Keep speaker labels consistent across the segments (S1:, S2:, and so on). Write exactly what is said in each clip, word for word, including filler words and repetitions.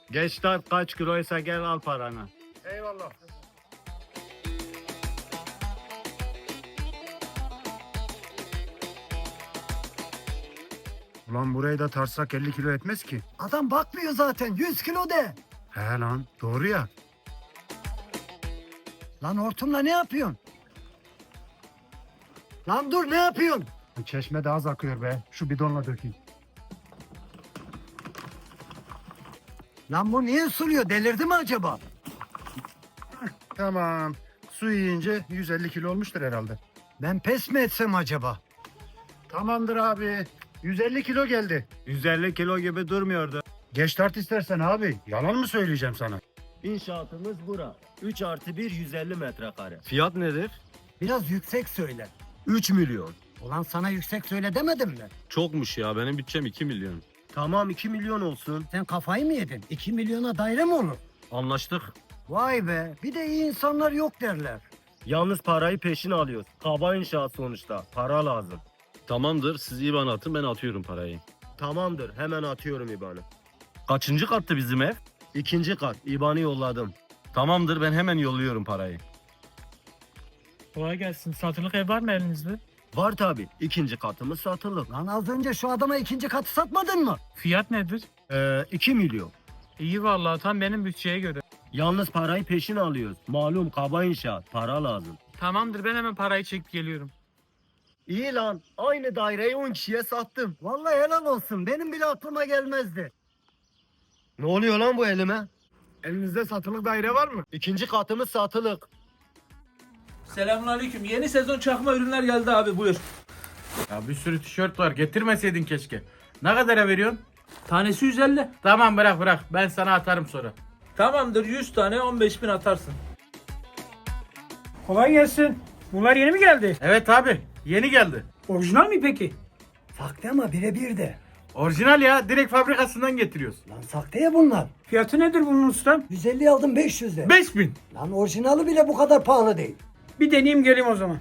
S1: Geç tat kaç kiloysa gel al paranı.
S2: Eyvallah.
S3: Ulan burayı da tartsak elli kilo etmez ki.
S4: Adam bakmıyor zaten. yüz kilo de.
S3: He lan doğru ya.
S4: Lan hortumla ne yapıyorsun? Lan dur ne yapıyorsun?
S3: Çeşme de az akıyor be. Şu bidonla dökeyim.
S4: Lan bu niye suluyor? Delirdi mi acaba?
S3: Tamam. Su yiyince yüz elli kilo olmuştur herhalde.
S4: Ben pes mi etsem acaba?
S3: Tamamdır abi. yüz elli kilo geldi.
S1: yüz elli kilo gibi durmuyordu.
S3: Geç tart istersen abi. Yalan mı söyleyeceğim sana?
S5: İnşaatımız bura. üç artı bir yüz elli metrekare.
S1: Fiyat nedir?
S4: Biraz yüksek söyle.
S1: üç milyon.
S4: Ulan sana yüksek söyle demedim mi?
S1: Çokmuş ya, benim bütçem iki milyon.
S5: Tamam iki milyon olsun.
S4: Sen kafayı mı yedin? iki milyona daire mi olur?
S1: Anlaştık.
S4: Vay be. Bir de iyi insanlar yok derler.
S5: Yalnız parayı peşin alıyoruz. Kaba inşaat sonuçta. Para lazım.
S1: Tamamdır, siz İban atın, ben atıyorum parayı.
S5: Tamamdır hemen atıyorum İban'ı.
S1: Kaçıncı kattı bizim ev?
S5: İkinci kat İban'ı yolladım.
S1: Tamamdır, ben hemen yolluyorum parayı.
S6: Kolay gelsin. Satılık ev var mı elinizde?
S5: Var tabi. İkinci katımız satılık.
S4: Lan az önce şu adama ikinci katı satmadın mı?
S6: Fiyat nedir?
S5: Ee, iki milyon.
S6: İyi vallahi tam benim bütçeye göre.
S5: Yalnız parayı peşin alıyoruz. Malum kaba inşaat. Para lazım.
S6: Tamamdır ben hemen parayı çekip geliyorum.
S5: İyi lan. Aynı daireyi on kişiye sattım.
S4: Vallahi helal olsun. Benim bile aklıma gelmezdi.
S5: Ne oluyor lan bu elime?
S2: Elinizde satılık daire var mı?
S5: İkinci katımız satılık.
S7: Selamünaleyküm. Yeni sezon çakma ürünler geldi abi buyur.
S2: Ya bir sürü tişört var. Getirmeseydin keşke. Ne kadara veriyorsun?
S7: Tanesi yüz elli.
S2: Tamam bırak bırak. Ben sana atarım sonra.
S7: Tamamdır yüz tane on beş bin atarsın.
S6: Kolay gelsin. Bunlar yeni mi geldi?
S2: Evet abi. Yeni geldi.
S6: Orijinal mi peki?
S4: Sakte ama birebir de.
S2: Orijinal ya. Direkt fabrikasından getiriyoruz.
S4: Lan sakte ya bunlar.
S6: Fiyatı nedir bunun ustam?
S4: yüz elli aldım beş yüz de.
S2: beş bin.
S4: Lan orijinali bile bu kadar pahalı değil.
S6: Bir deneyeyim geleyim o zaman.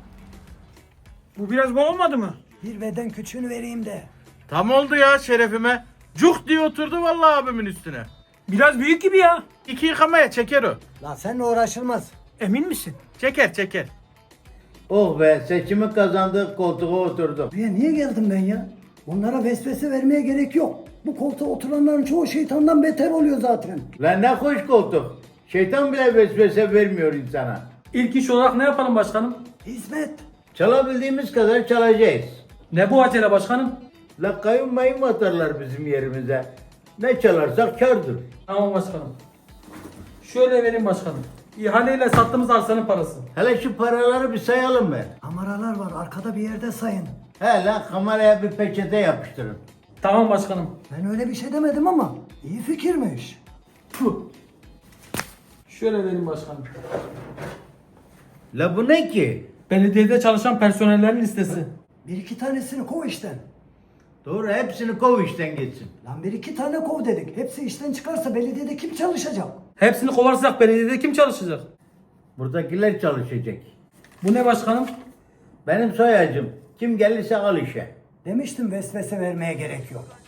S6: Bu biraz bol olmadı mı?
S4: Bir beden küçüğünü vereyim de.
S2: Tam oldu ya şerefime. Cuk diye oturdu vallahi abimin üstüne.
S6: Biraz büyük gibi ya.
S2: İki yıkamaya çeker o.
S4: Lan seninle uğraşılmaz.
S6: Emin misin?
S2: Çeker çeker.
S8: Oh be seçimi kazandık koltuğa oturduk.
S4: Buraya niye geldim ben ya? Onlara vesvese vermeye gerek yok. Bu koltuğa oturanların çoğu şeytandan beter oluyor zaten.
S8: Lan ne hoş koltuk. Şeytan bile vesvese vermiyor insana.
S7: İlk iş olarak ne yapalım başkanım?
S4: Hizmet.
S8: Çalabildiğimiz kadar çalacağız.
S7: Ne bu acele başkanım?
S8: La kayın mayın atarlar bizim yerimize. Ne çalarsak kârdır.
S7: Tamam başkanım. Şöyle vereyim başkanım. İhaleyle sattığımız arsanın parası.
S8: Hele şu paraları bir sayalım be.
S4: Kameralar var arkada bir yerde sayın.
S8: He lan kameraya bir peçete yapıştırın.
S7: Tamam başkanım.
S4: Ben öyle bir şey demedim ama iyi fikirmiş.
S7: Puh. Şöyle vereyim başkanım.
S8: La bu ne ki?
S7: Belediyede çalışan personellerin listesi.
S4: Bir iki tanesini kov işten.
S8: Doğru hepsini kov işten gitsin.
S4: Lan bir iki tane kov dedik. Hepsi işten çıkarsa belediyede kim çalışacak?
S7: Hepsini kovarsak belediyede kim çalışacak?
S8: Buradakiler çalışacak.
S7: Bu ne başkanım?
S8: Benim soyacım. Kim gelirse al işe.
S4: Demiştim vesvese vermeye gerek yok.